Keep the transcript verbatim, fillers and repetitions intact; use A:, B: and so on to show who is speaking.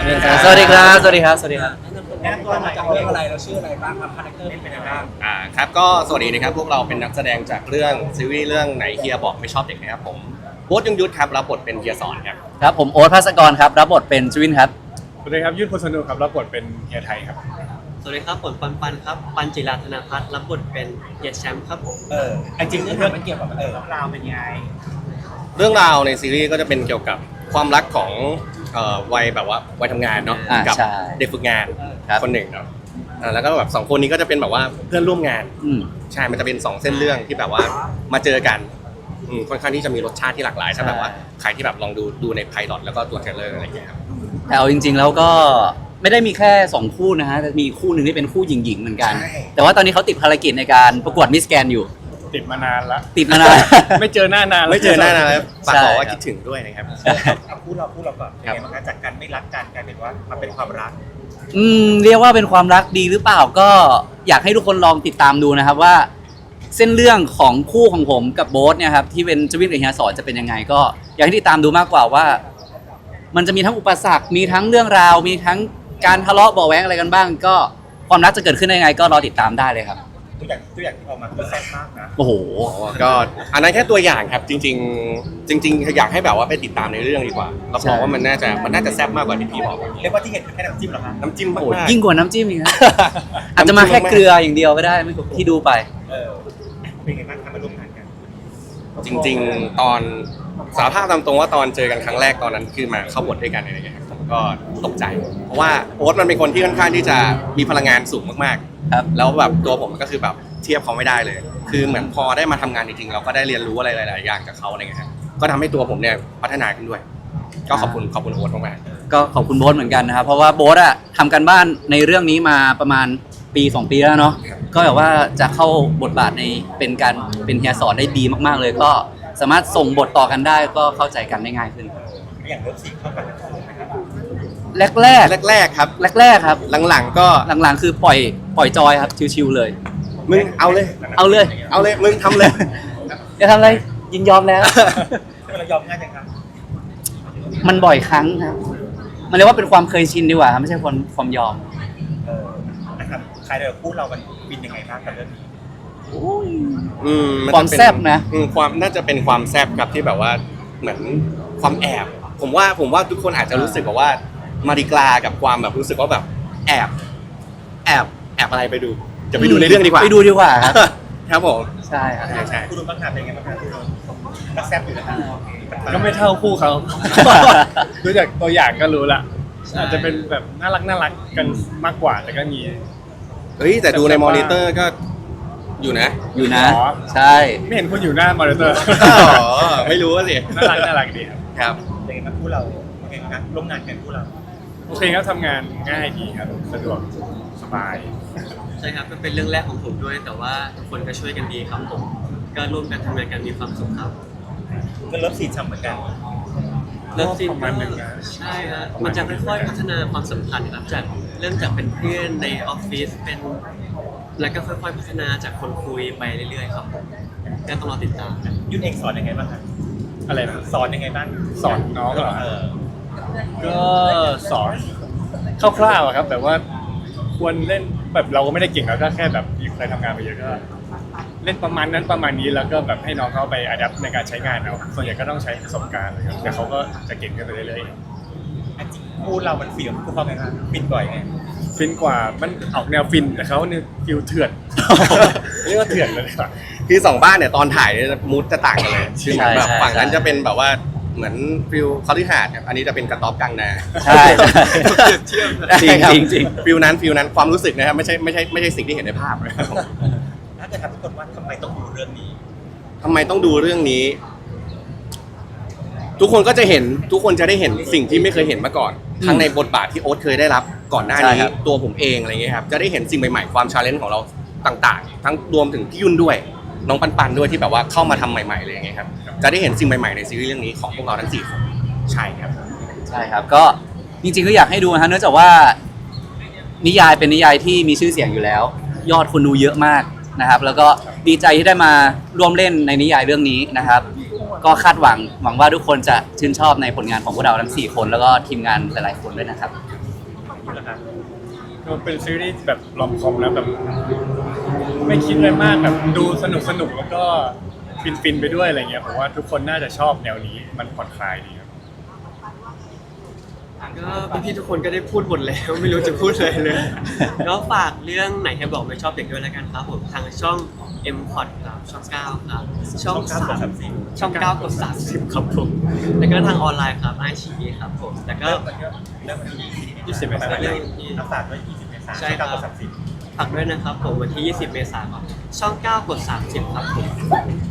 A: สวัสดีครับสวัสดีครับสวัสดีครับ
B: แนะนำตัวมาจากเรื่องอะไรเราชื่ออะไรบ้างครับคาแรคเตอร์เป็นยังไงบ้าง
C: อ่าครับก็สวัสดีนะครับพวกเราเป็นนักแสดงจากเรื่องซีรีส์เรื่องไหนเฮียบอกไม่ชอบเด็กนะครับผมโบ๊ทยงยุทธครับรับบทเป็นเฮียสอนครับ
A: ครับผมโอ๊ตภาสกรครับรับบทเป็นจวินครับ
D: สวัสดีครับยุ่นพลสนุครับรับบทเป็นเฮียไทยครับ
E: สวัสดีครับผมปันปันครับปันจิราธนาพัฒน์รับบทเป็นเฮียแชมป์ครับผม
B: เออจริงๆเรื่องมันเกี่ยวกับเออราวเป็นยังไง
C: เรื่องราวในซีรีส์ก็จะเป็นเกี่ยวกับความรักของเอ่อวัยแบบว่าวัยทำงานเนาะ
A: อ่า
C: กั
A: ใช่
C: เด็กฝึกงาน
A: ครับ
C: คนหนึ่งเนาะอ่าแล้วก็แบบสองคนนี้ก็จะเป็นแบบว่าเพื่อนร่วมงาน
A: อืม
C: ใช่มันจะเป็นสองเส้นเรื่องที่แบบว่ามาเจอกันอืมค่อนข้างที่จะมีรสชาติที่หลากหลายถ้าแบบว่าใครที่แบบลองดูดูในไพลอตแล้วก็ตัวเทรลเลอร์อะไรอย่างเงี้ยครับ
A: แต่เอาจริงๆแล้วก็ไม่ได้มีแค่สองคู่นะฮะแต่มีคู่หนึ่งที่เป็นคู่หญิงๆเหมือนกัน แต่ว่าตอนนี้เขาติดภารกิจในการประกวดมิสแกนอยู่
D: ติดมานานละ
A: ติดมานาน
D: ไม่เจอหน้านานแล้ว
C: ไม่เจอหน้านานแล้วฝาก
A: ใช่
C: บอกว่า
A: ครับ
C: คิดถึงด้วยนะครับ
B: เอาพูดเราพูดเราก่อนเป็นไงบ้างคะจากการไม่รักกันกลายเป็นว่ามันเป็นความรัก
A: อืมเรียกว่าเป็นความรักดีหรือเปล่าก็อยากให้ทุกคนลองติดตามดูนะครับว่า เส้นเรื่องของคู่ของผมกับโบ๊ทเนี่ยครับที่เป็นจวินกับเฮียสอนจะเป็นยังไงก็อยากให้ติดตามดูมากกว่าว่า มันจะมีทั้งอุปสรรคมีทั้งเรื่องราว มีทั้งการทะเลาะเบาะแว้งอะไรกันบ้าง ก็ความรักจะเกิดขึ้นได้ยังไง ก็รอติดตามได้เลยครับ
B: ตัวอย่างตัวอย่างที่ออกมาคือแซ่บมากนะ
A: โอ้โห
C: ก็อันนั้นแค่ตัวอย่างครับจริง ๆ จริง ๆ อยากให้แบบว่าไปติดตามในเรื่องดีกว่าเราบอกว่ามันน่าจะมันน่าจะแซ่บมากกว่าที่พี่บอก
B: เรียกว่าที่เห็นคือแค่น้ำจิ้มเหรอคะ
C: น้ำจิ้มมาก
A: โอ้
C: ๆ
A: ยิ่งกว่าน้ำจิ้มอีกนะ อาจจะมาแค่เกลืออย่างเดียวก็ได้ไม่ที่ดูไป
B: เออเป็นไงบ้างคะมาร่วมงานกัน
C: จริง ๆ ตอนสารภาพตามตรงว่าตอนเจอกันครั้งแรกตอนนั้นคือมาเข้าบทด้วยกันอะไรอย่างเงี้ยครับผมก็ตกใจ เพราะว่าโอ๊ตมันเป็นคนที่ค่อนข้างที่จะมีพลังงานสูงมากๆ
A: ครับ
C: แล้วแบบตัวผมก็คือแบบเทียบเขาไม่ได้เลย คือเหมือนพอได้มาทำงานจริงๆเราก็ได้เรียนรู้อะไรหลายๆอย่างจากเขาอะไรเงี้ยครับก็ทำให้ตัวผมเนี่ยพัฒนาขึ้นด้วย ก็ขอบคุณขอบคุณโอ๊ตมากๆ
A: ก็ขอบคุณโบ๊ทเหมือนกันนะครับ เพราะว่าโบ๊ทอะทำกันบ้านในเรื่องนี้มาประมาณปีสองปีแล้วเนาะ
C: ครับ
A: ก็แบบว่าจะเข้าบทบาทในเป็นการเป็นเฮียสอนได้ดีมากๆเลย ก็สามารถส่งบทต่อกันได้ก็เข้าใจกันได้ง่ายขึ้น
B: อย่างเลิฟซีนเข้ากันถูกไหมครับ
A: แรกแรก
C: แรกๆครับ
A: แรกแรกๆครับ
C: หลังๆก็
A: หลังๆคือปล่อยปล่อยจอยครับชิวๆเลย
C: มึงเอาเลย
A: เอาเลย
C: เอาเลยมึงทำเลย
A: จะทำอะไรยินยอมแล้ว
B: เรายอมง่ายจังครับ
A: มันบ่อยครั้งครับมันเรียกว่าเป็นความเคยชินดีกว่าครับไม่ใช่ความความยอม
B: เออนะครับใครเดี๋ยวพูดเรามันบินยังไงบ้างกับเรื่องนี้
C: อืมน
A: ความ
C: จะเป็น
A: แซ่บนะ
C: อืมความน่าจะเป็นความแซ่บครับที่แบบว่าเหมือนความแอบ ผมว่าผมว่าทุกคนอาจจะรู้สึกแบบว่ามาริกลากับความแบบรู้สึกว่าแบบแอบแอบแอบอะไรไปดู จะไปดูในเรื่องดีกว่า
A: ไปดูดีกว่าครับ
C: ครับผม
A: ใช่ครับ
C: ใช่ใช่
B: คุณรู้บ้างครับเป็นไงบ้างครับคุณรู้รักแซ่บอยู่นะครับ
D: ก็ไม่เท่าคู่เขา ดูจากตัวอย่างก็รู้ละอาจจะเป็นแบบน่ารักน่ารักกันมากกว่าแต่ก็มี
C: เฮ้ยแต่ดูในมอนิเตอร์ก็อยู่นะ
A: อยู่นะ
D: อ๋อ
A: ใช่
D: ไม่เห็นคุณอยู่หน้ามอนิเตอร์
C: อ๋อไม่รู้สิ
D: น่ารักน่ารักดีครับ
C: ครับ
B: เป็นไงบ้างคู่เราเป็นไงบ้างครับร่วมงานกันคู่เรา
D: โอเคครับทำงานง่ายดีครับสะดวกสบาย
E: ใช่ครับมันเป็นเรื่องแรกของผมด้วย แต่ว่าทุกคนก็ช่วยกันดีครับผมก็ร่วมกันทำงานกันมีความสุขครับ
B: ก็เลิฟซีนฉ่ำเหมือนกัน
E: เริ่มซีน
D: ประมาณหนึ่งนะ
E: ใช่ครับมันจะค่อยๆพัฒนาความสัมพันธ์ครับจากเริ่มจากเป็นเพื่อนในออฟฟิศเป็นแล้วก็ค่อยๆพัฒนาจากคนคุยไปเรื่อยๆครับผมก็ต้องรอติดตามกัน
B: ยุ่นเองสอนยังไงบ้างครับ
D: อะไรนะ
B: สอนยังไงบ้าง
D: สอนน้องเหรอ
B: เออ
D: ก็สอนคร่าวๆอะครับแต่ว่าควรเล่นแบบเราก็ไม่ได้เก่งแล้วก็แค่แบบมีใครทำงานไปเยอะก็เล่นประมาณนั้นประมาณนี้แล้วก็แบบให้น้องเขาไปอัดแอปในการใช้งานเอาส่วนใหญ่ก็ต้องใช้ประสบการณ์เลยครับแต่เขาก็จะเก่งขึ้นไปเรื่อย
B: อันจริงคู่เรามันฟิลคู่เขาไงครับฟินบ่อยไง
D: ๆฟินกว่ามันออกแนวฟินแต่เขาเนี่ยฟิลเถื่อน เรียกว่าเถื่อนเลยดีกว่า
C: คือสองบ้านเนี่ยตอนถ่ายเนี่ยมูดจะต่างกันเลยคือเหมือนแบบ
A: ใช่ใช่
C: ฝั่งนั้นจะเป็นแบบว่าเหมือนฟิลคอลิหาดครับอันนี้จะเป็นกระต๊อบกลางนา
A: ใช่ใช่
C: เชื่อม
A: จริง
C: คบ
A: จริงจริง
C: ฟิลนั้นฟิลนั้นความรู้สึกนะครับไม่ใช่ไม่ใช่ไม่ใช่สิ่งที่เห็นในภาพนะครับ
B: ถ้าเกิดถามทุกคนว่าทำไมต้องดูเรื่องนี้
C: ทำไมต้องดูเรื่องนี้ ทุกคนก็จะเห็นทุกคนจะได้เห็นสิ่งที่ไม่เคยเห็นมาก่อน ทั้งในบทบาทที่โอ๊ตเคยได้รับก่อนหน้า
A: ใช่
C: นี้
A: ครับ
C: ตัวผมเองอะไรเงี้ยครับจะได้เห็นสิ่งใหม่ๆความชาเลนจ์ของเราต่างๆ ทั้งรวมถึงพี่ยุ่นด้วยน้องปันปันด้วยที่แบบว่าเข้ามาทำใหม่ๆเลยอย่างเงี้ยครับจะได้เห็นสิ่งใหม่ๆในซีรีส์เรื่องนี้ของพวกเราทั้งสี่คนใช่ครับ
A: ใช่ครับก็จริงๆก็อยากให้ดูนะฮะเนื่องจากว่านิยายเป็นนิยายที่มีชื่อเสียงอยู่แล้ว ยอดคนดูเยอะมากนะครับ แล้วก็ดีใจที่ได้มาร่วมเล่นในนิยายเรื่องนี้นะครับ ก็คาดหวังหวังว่าทุกคนจะชื่นชอบในผลงานของพวกเราทั้งสี่คนแล้วก็ทีมงานหลายๆคนด้วยนะครับ
B: ล่ะครับ
D: ก็เป็นซีรีส์แบบลอมคอมนะแบบไม่คิดอะไรมากแบบดูสนุกสนุกแล้วก็ฟินฟินๆไปด้วยอะไรเงี้ยผมว่าทุกคนน่าจะชอบแนวนี้มันผ่อนคลายดีครับ
E: ก็พี่ๆทุกคนก็ได้พูดหมดแล้ว ไม่รู้จะพูดอะไรเลย ก็ฝากเรื่องไหนให้บอกไม่ชอบเด็กด้วยแล้วกันครับผมทางช่อง M พอดครับช่องเก้าครับช่อง
B: ช่องเก้ากด
E: สาม
B: สามสิบ
E: ช่องเก้ากดสามสิบครับผมแล้วก็ทางออนไลน์ครับไอชีครับผมแล้วก็
B: เริ่มมันก็เริ่มวันที่
D: ยี่สิบเมษายน
B: เริ่มอัปดาตด้วยยี่สิบเมษายน
E: ใช่ครับ
B: เก้ากดสามสิบ
E: ฝากด้วยนะครับผมวันที่ ยี่สิบ เมษายนครับช่องเก้ากดสามสิบครับผม